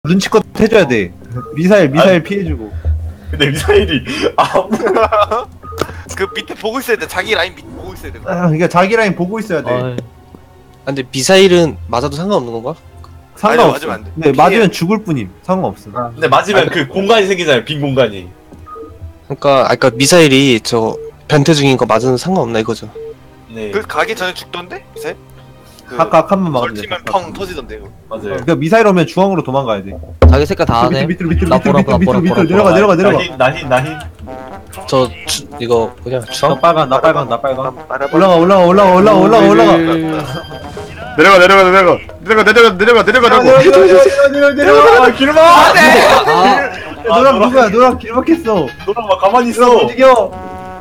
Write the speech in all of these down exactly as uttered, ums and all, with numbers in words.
눈치껏 해줘야 돼. 미사일 미사일 아니, 피해주고. 근데 미사일이 아 그 밑에 보고 있어야 돼. 자기 라인 밑 보고 있어야 돼. 아, 그러니까 자기 라인 보고 있어야 돼. 아, 근데 미사일은 맞아도 상관없는 건가? 상관없어. 맞으면 안 돼. 네, 맞으면 죽을 뿐임. 상관없어. 아, 근데 맞으면 그 공간이 생기잖아요. 빈 공간이. 그러니까 아까 미사일이 저 변태 중인 거 맞으면 상관없나 이거죠? 네. 그 가기 전에 죽던데? 미사일? 그 각각 한 번 막으면 돼. 걸치면 각각. 펑 터지던데 그거. 맞아요. 그러니까 미사일 오면 중앙으로 도망가야 돼. 자기 색깔 다 하네. 밑으로 밑으로 나 밑으로 보라, 밑으로 보라, 밑으로 보라, 밑으로 보라, 내려가 내려가 내려가. 나흰 나흰 나흰. 저 주, 이거 뭐냐 나 주황? 빨간 나 빨간 나 빨간. 올라가 올라가 올라가 올라가 올라가 올라가. 내려가 내려가 내려가 내려가 내려가 내려가 내려가라고. 내려가 내려가 내려가 내려가. 아 길마. 아, 노랑 누구야? 노랑 길막했어. 너랑 막 가만히 있어. 움직여.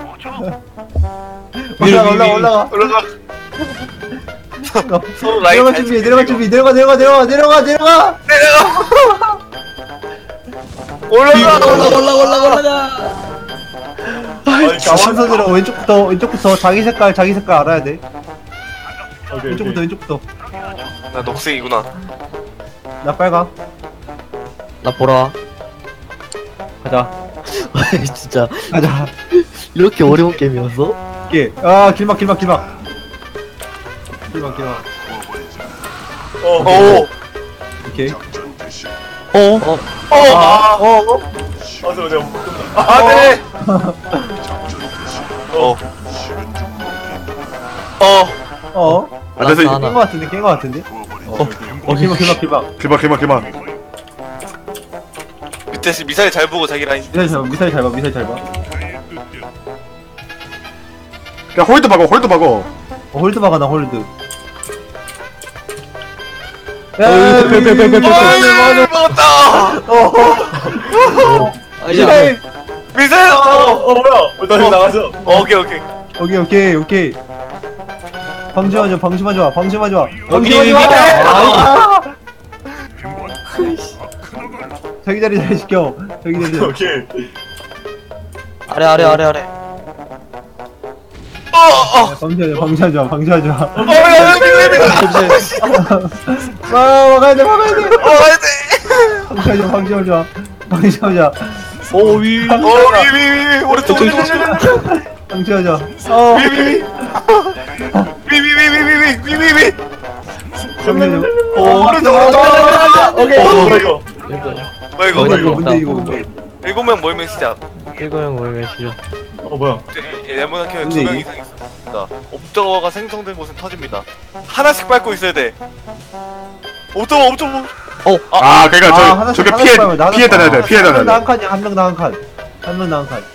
올라가 올라가 올라가. 올라가. 서로 라인 내려가 잘 준비 지키고. 내려가 준비 내려가 내려가 내려가 내려가 내려가. 올라가. 올라가 올라가 올라가 올라가. 아니 가만히 순서대로 왼쪽부터 왼쪽부터 자기 색깔 자기 색깔 알아야 돼. 오케이, 왼쪽부터 오케이. 왼쪽부터. 나 녹색이구나. 나 빨강. 나 보라. 가자. 진짜 가자. 이렇게 어려운 게임이었어? 예. 아 길막 길막 길막. 길막 길막. 어. 오. 오케이. 어? 어? 어. 아, 어, 어. 아 저, 저. 아 네. 어. 어. 어. 아, 그래서 나 깬 하나. 거 같은데 깬 거 같은데. 어. 어 길막 길막 길막. 기막 기막 기막. 밑에 시- 미사일 잘 보고 자기 라인. 미사일 잘 봐. 미사일 잘 봐. 미사일 잘 봐. 야 홀드 박어 홀드 박어. 어, 홀드 박아 나 홀드. 어, 빼, 빼, 빼, 빼, 빼, 빼. 아, 먹었다. 아, 야, 미사일. 미사일. 어, 어. 어 뭐야? 어, 나 지금 나가죠. 어, 오케이 오케이. 오케이 오케이 오케이. 방심하지 마. 방심하지 마. 방심하지 마. 오케이, 방심하지 마. 아! 자기 자리 잘 지켜. 자기 자리. 잘- 오케이. 아래 아래 아래 아래. 어. 어. 방심하지 마. 방심하지 마. 방심하지 마. 어. 야, 야, 아, 막아야 돼. 막아야 돼. 어. 가야 돼. 방심하지 마. 방심하지 마. 방심하지 마. 오 위. 어. 위위위. 오른쪽 오른쪽. 방심하지 마. 어. 위위위. 위위위위위위위위. 방심하지 마. 어. 오른쪽 오른쪽. 오케이. 어, 이거 이거. 뭐 이거? 이거 이거 이거 뭔데 이거 뭔데? 일곱 명 모이면 시작. 일거형 모르면 싫어. 어 뭐야? 네모난 켜에 근데 두명 이- 이상 있습니다. 옵저버가 생성된 곳은 터집니다. 하나씩 밟고 있어야 돼. 옵저버 옵저버. 아 그러니까 저 하나씩, 저게 하나씩 피해 봐요. 나눠 피해 다녀야 돼 봐. 피해 한 다녀야 명당 한 돼. 칸이야. 한 명당 한 칸. 한 명당 한 칸.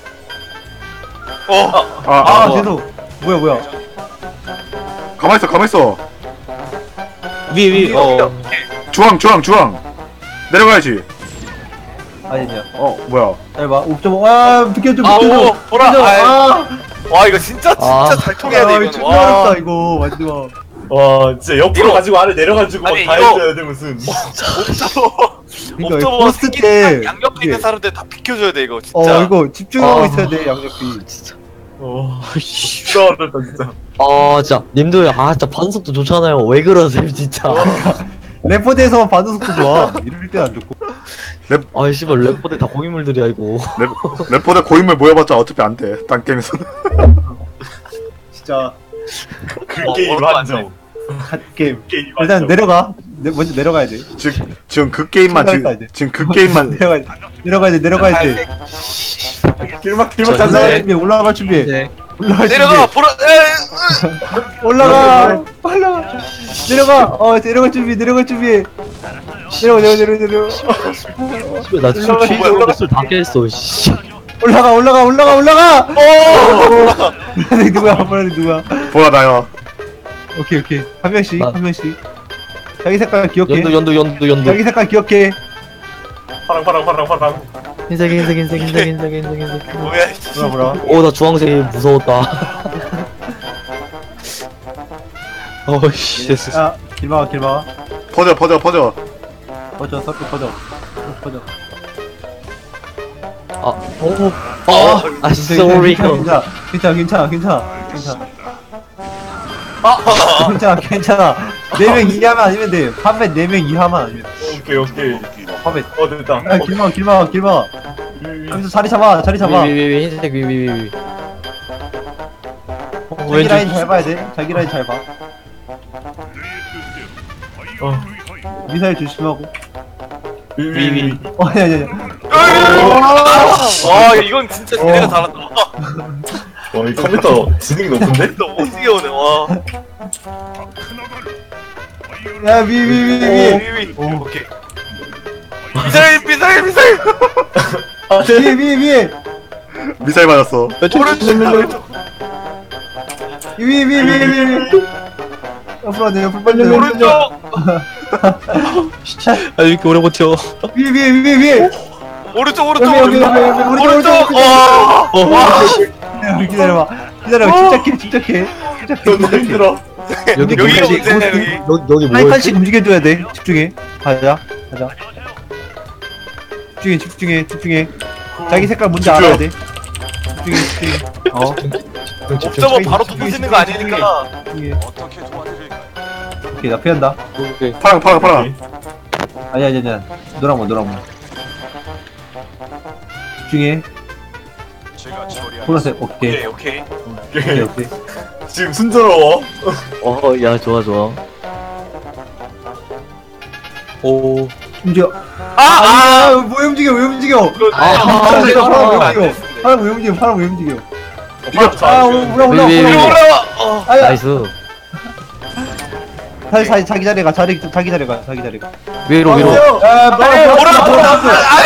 어. 아, 아, 아 계속. 뭐야 뭐야. 가만 있어 가만 있어. 위 위. 어. 주황 주황 주황. 내려가야지. 아니냐. 어 뭐야? 잘 봐. 옵저버. 아, 비켜줘 아, 비켜줘. 오, 보라. 비켜줘. 아이. 아. 와 이거 진짜 진짜 아. 잘 통해야 돼 아, 이거는. 진짜 와. 어렵다 이거. 마지막. 와 진짜 옆으로 이거- 가지고 아래 내려가지고 아니, 다 이거- 해줘야 돼 무슨. 옵저버. 그러니까 옵저버가 포스트 생긴 때 양옆에 있는 이게- 사람들 다 비켜줘야 돼 이거 진짜. 어 이거 집중하고 아. 있어야 돼 양옆이. 어 진짜 어렵다 진짜. 아 진짜 님들 아 진짜 반속도 좋잖아요. 왜 그러세요 진짜. 래퍼대에서만 반응 속도 좋아. 이럴 때 안 좋고. 아 씨발 래퍼들 다 고인물들이야 이거. 랩 래퍼들 고인물 모여봤자 어차피 안 돼. 딴 게임에서. 진짜 그 어, 게임 어렵다, 안 한정. 갓 게임. 게임 일단 한정. 내려가. 내, 먼저 내려가야 돼. 지금 지금 그 게임만 생각했다, 지금 이제. 지금 그 게임만. 내려가야 돼. 내려가야 돼. 내려가야 돼. 길막 길막 저 가자. 올라갈 준비. 올라갈 준비. 네. 올라갈 준비. 내려가 보라. 에, 올라가. 올라가. 내려가. 어 내려갈 준비. 내려갈 준비. 내려가 내려 내려 내려. 씨발 나술 올라가, 취해서 술다 깼어. 씨. 올라가 올라가 올라가 올라가. 어. 보라색 누구야? 보라색 누구야? 보라 나요. 오케이 오케이. 한 명씩 나- 한 명씩. 자기 색깔 기억해. 연두 연두 연두 연두. 자기 색깔 기억해. 파랑 파랑 파랑 파랑. 흰색 흰색 흰색 흰색 흰색 흰색 흰색. 뭐야? 이 보라 보라. 오나 주황색이 무서웠다. 어이씨 됐어. 야 길막아 길막아. 퍼져 퍼져 퍼져. 퍼져 서클 퍼져. 퍼져. 아 오. 아, 아 sorry 형. 괜찮아 괜찮아 괜찮아 괜찮아 괜찮아. 괜찮아 괜찮아. 네 명 이하만 아니면 돼. 판매 네 명 이하만 아니면 돼. 오케이 오케이. 밥에. 어 됐다. 야, 길막, 길막, 길막. 여기서 자리 잡아, 자리 잡아. 위위위 흰색 위위위. 자기 라인 잘 봐야 돼. 자기 라인 잘 봐. 어. 미사일 조심하고. 위위위. 어, 아니, 아니, 아니. 와 이건 진짜 니네가 잘한다. 와이 컴퓨터 지능이 높은데? 너 오지게 오네. 와. 야, 위, 위, 위, 위. 위위. 오케이. 미사일 미사일 미사일. 아 위, 네. 위, 위. 미사일 맞았어. 오른쪽. 위, 위, 위, 위, 위. 옆으로 내 옆으로 빨리. 오른쪽. 아 이렇게 오래 버텨. 위, 위, 위, 위. 오른쪽 오른쪽 여기, 여기, 여기, 여기, 오른쪽. 오른쪽, 오른쪽. 오른쪽. 와. 여기 기다려봐. 기다려봐. 침착해, 침착해. 침착해, 너무 침착해. 힘들어. 여기 여기가 뭐였지? 문제냐 여기. 여기 여기 한 뭐였지? 칸씩 움직여줘야 돼. 집중해. 가자, 가자. 집중해, 집중해, 집중해. 자기 색깔 뭔지 집중. 알아야 돼. 집중해, 집중해. 어, 옵저버 바로 터지는 거 아니니까. 집중해. 오케이, 나 피한다. 파랑 파랑 파랑. 아니야, 아니야, 아니야. 노랑 거, 노랑 거. 집중해. 보라색, 오케이. 오케이 오케이. 오케이, 오케이. 지금 순조로워. 어야 좋아 좋아. 오. 움직여. 아! 아! 아, 왜 움직여, 왜 움직여? 아! 파랑 왜 아! 움직여? 파랑 왜 움직여? 파랑 왜 움직여? 이거 아, 올라, 올라, 위, 위, 위. 올라, 올라. 올라와! 어. 아야, 나이스. 자기, 자기, 자기 자리 가, 자리, 자기 자리 가, 자기 자리 가. 위로 위로. 아, 뭐야, 오라, 뭐야, 오라,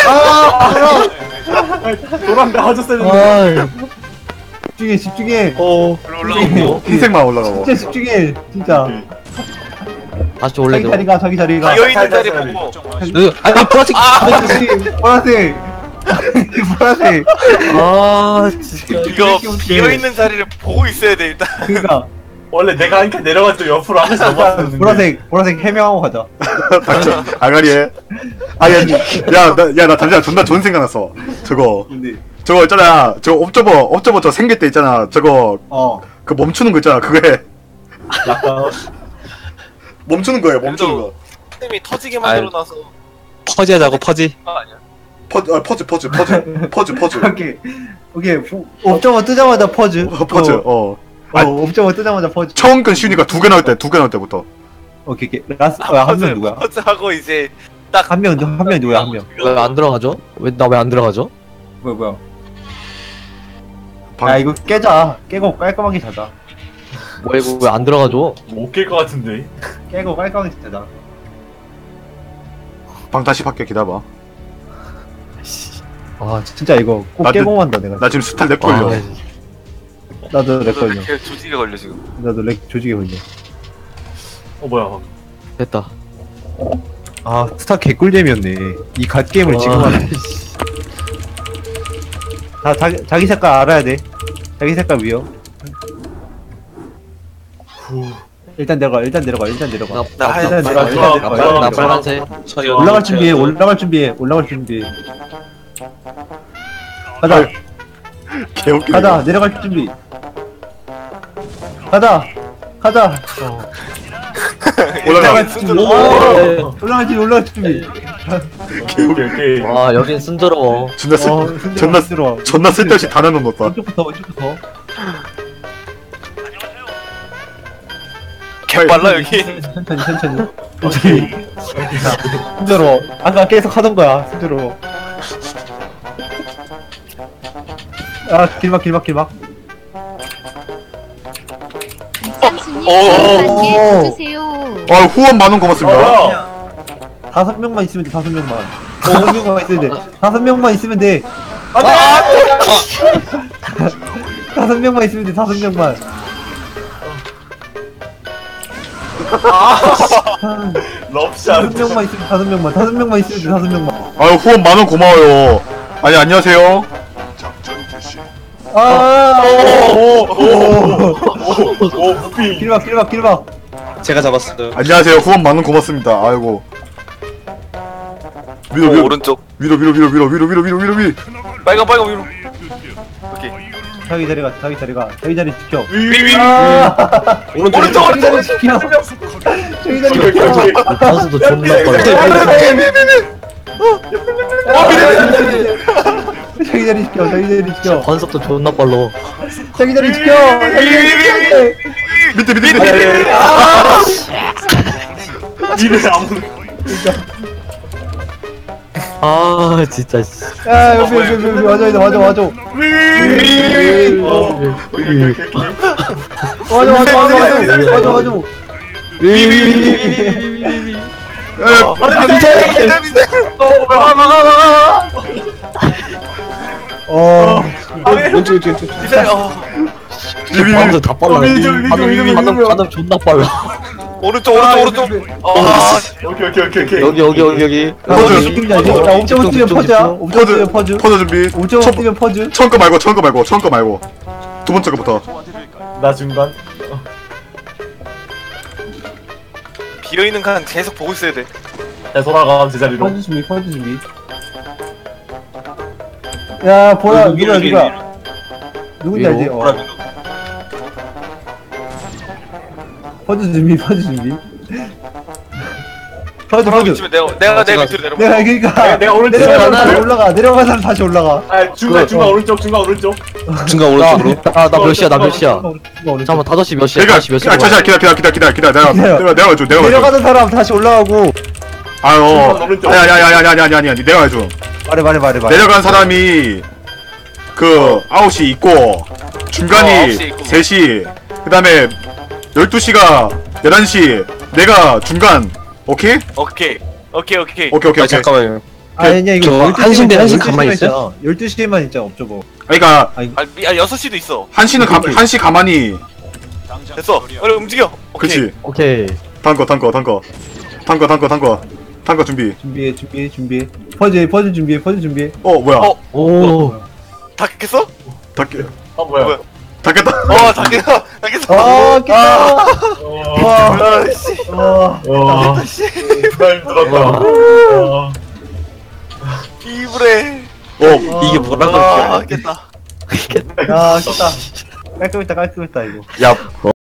아, 노란데 하졌어야 아 집중해, 집중해. 오. 올라오고. 흰색만 올라가고. 진짜 집중해, 진짜. 다시 원래 자기 자리 가, 자기 자리 가. 비어있는 자리 보고. 으, 아니 보라색. 보라색, 보라색. 보라색. 아 진짜. 이거 비어있는 자리를 보고 있어야 돼 일단. 그니까. 원래 내가 이렇게 내려갔죠 옆으로 하나씩 넘어갔는데. 보라색, 보라색 해명하고 가자. 닥쳐. 아가리에. 아야, 야, 나, 야, 나 잠시만 존나 좋은 생각 났어. 저거, 근데, 저거 있잖아. 저 옵저버, 옵저버 저 생길 때 있잖아. 저거 어. 그 멈추는 거 있잖아. 그거에 약간. 멈추는 거예요. 멈추는 거. 템이 터지게 만들어놔서. 퍼지 하자고 퍼지. 아 아니야. 퍼즈, 아, 퍼즈, 퍼즈, 퍼즈, 퍼즈, 퍼즈. 오케이. 오케이. 옵저버 뜨자마자 퍼즈. 어, 퍼즈. 어. 어, 옵저버 뜨자마자 퍼즈. 처음 건 쉬우니까 두 개 나올 때, 두 개 나올 때부터. 오케이, 오케이. 라스, 어, 한 명 누구야? 퍼즈하고 이제 한 명, 한 명 누구야, 한 명. 왜 안 들어가죠? 왜 나 왜 안 들어가죠? 뭐야, 뭐야. 방- 야, 이거 깨자. 깨고 깔끔하게 자자. 뭐 이거 왜 안 들어가죠? 못깰것 같은데. 깨고 깔끔하게 자자. 방 다시 밖에 기다봐. 아, 진짜 이거 꼭 나도- 깨고 만다, 내가. 나 지금 스탈 렉 걸려. 아, 나도 렉 걸려. 이렇게 조직에 걸려 지금. 나도 렉 조직에 걸려. 어 뭐야. 됐다. 아, 스타 개꿀잼이었네. 이 갓게임을 지금 아, 하네. 다 자기, 자기 색깔 알아야 돼. 자기 색깔 위요. 일단 내려가, 일단 내려가, 일단 내려가. 나, 나 나, 하얀 일단 내려가, 나- 일단 나- 내려가. 나- 일단 나 내려가. 빨간색. 저희 올라갈 준비해, 올라갈 준비해, 올라갈 준비해. 가자, 개웃기네. 가자, 내려갈 준비. 가자, 가자. 올라가. 준비. 오. 오, 올라갈 준비, 올라갈 준비. 오케이 오케이. 와 여긴 순조로워. 존나 쓸, 어, 근데 존나, 들어와. 존나 쓸데없이 다 나눠놓았다. 이쪽부터, 이쪽부터. 개빨라 여기. 천천히, 천천히. 천천히. 힘들어. 아까 계속 하던 거야. 힘들어. 아, 길막, 길막, 길막. 삼순이 오. 만개 주세요. 아, 후원 만원 고맙습니다. 어. 다섯 명만 있으면 돼, 다섯 명만. 다섯 명만 있으면 돼. 다섯 명만 있으면 돼. 다섯 명만 있으면 돼, 다섯 명만. 럽샷. 다섯 명만 있으면 다섯 명만. 다섯 명만 있으면 돼, 다섯 명만. 아유, 후원 만원 고마워요. 아니, 안녕하세요. 아, 오오오오 무빙. 길막, 길막, 길막. 제가 잡았어요. 안녕하세요. 후원 만원 고맙습니다. 아이고. 위로, 오, 위로, 오른쪽. 위로, 위로, 위로, 위로, 위로, 위로, 위로, 위로, 위로. 빨강 빨강 위로. 오케이. 자기 자리가, 자기 자리가, 자기 자리 지켜. 위위. 아, 오른쪽 자기 오른쪽. 자리 지켜. 자기 자리 오케이, 오케이, 지켜. 오케이. 단수도 존나 빨라. 자기 자리 지켜 자기 자리 지켜 반속도 존나 빨라. 자기 자리 지켜 자기 자리 지켜 밑에 밑에 밑에. 니네 아무. 아 진짜 씨. 야 여기 여기 여기 여기 와줘 와줘 와줘 어, 오케이 오케이 오케이. 와줘 와줘 와줘 와줘 와줘 어 왼쪽 왼쪽 왼쪽. 미사일 어 반속 다 빨라. 미드, 미드, 미드, 미드, 반응 미드. 반응 존나 빨라. 오른쪽 오른쪽 오른쪽 아 오케이 오케이 오케이 오케이. 여기 여기 여기 여기. 퍼즈 느낌이 알지? 야 옵저버 뛰면 퍼즈야 옵저버 퍼즈 뛰면 퍼즈 퍼즈 준비. 옵저버 뛰면 퍼즈 처음 거 말고 처음 거 말고 처음 거 말고 두 번째 거부터. 나 중간. 비어있는 칸 계속 보고 있어야 돼 되돌아가 제자리로. 퍼즈 준비 퍼즈 준비 야 보라 누구야 누구야 누군지 알지? 어. 퍼즈 준비 퍼즈 준비 퍼즈 돌아오고 퍼즈 있으면 내가 내가 내 밑으로 내려가 내가 그니까 내가- 내가 오른쪽 내려가서 내려가. 다시 올라가 내려가는 사람 다시 올라가 아 중간 중간 오른쪽 중간 오른쪽. 중간 오른쪽으로. 나나몇 시야 나 몇 시야. 잠깐만 잠깐만 다섯 시 몇 시야? 그러니까 다섯 시 몇 시야? 아, 잠시만 기다려 기다려 기다려 기다려 기다려. 내가 내가 내가 줘 내가 줘. 내려가는 사람 다시 올라가고 아유. 오른쪽. 아니 아니 아니 아니 아니 아니 아니 내가 줘. 말해 말해 말해 말해 내려간 사람이 그 아홉 시 있고 어, 중간이 아홉 시 있고. 세 시 그다음에 열두 시가 열한 시 내가 중간. 오케이? 오케이 오케이 오케이 오케이 오케이 아 오케이. 잠깐만요. 아니야 이거 저 열두 한 시인데 한 시 열두 시만 가만히 있잖아. 열두 시에만 있잖아 옵저버 그러니까 아니 아, 미, 아 여섯 시도 있어 한 시는 가, 한 시 가만히. 됐어 빨리 움직여 오케이 그치. 오케이. 단거 단거 단거 단거 단거 단거 단거 준비. 준비해 준비해 준비해 퍼즈 퍼즈 준비해 퍼즈 준비해 어 뭐야? 어. 오. 다 깼어? 닫게 아 뭐야? 뭐야? 닫겠다. 어 다 깼어 다 깼어 아 깼다 와. 아씨 와 와. 나 힘들었다. 와. 이불에 어 이게 뭐라고? 아 깼다 야 깼다 깔끔했다 깔끔했다 이거 야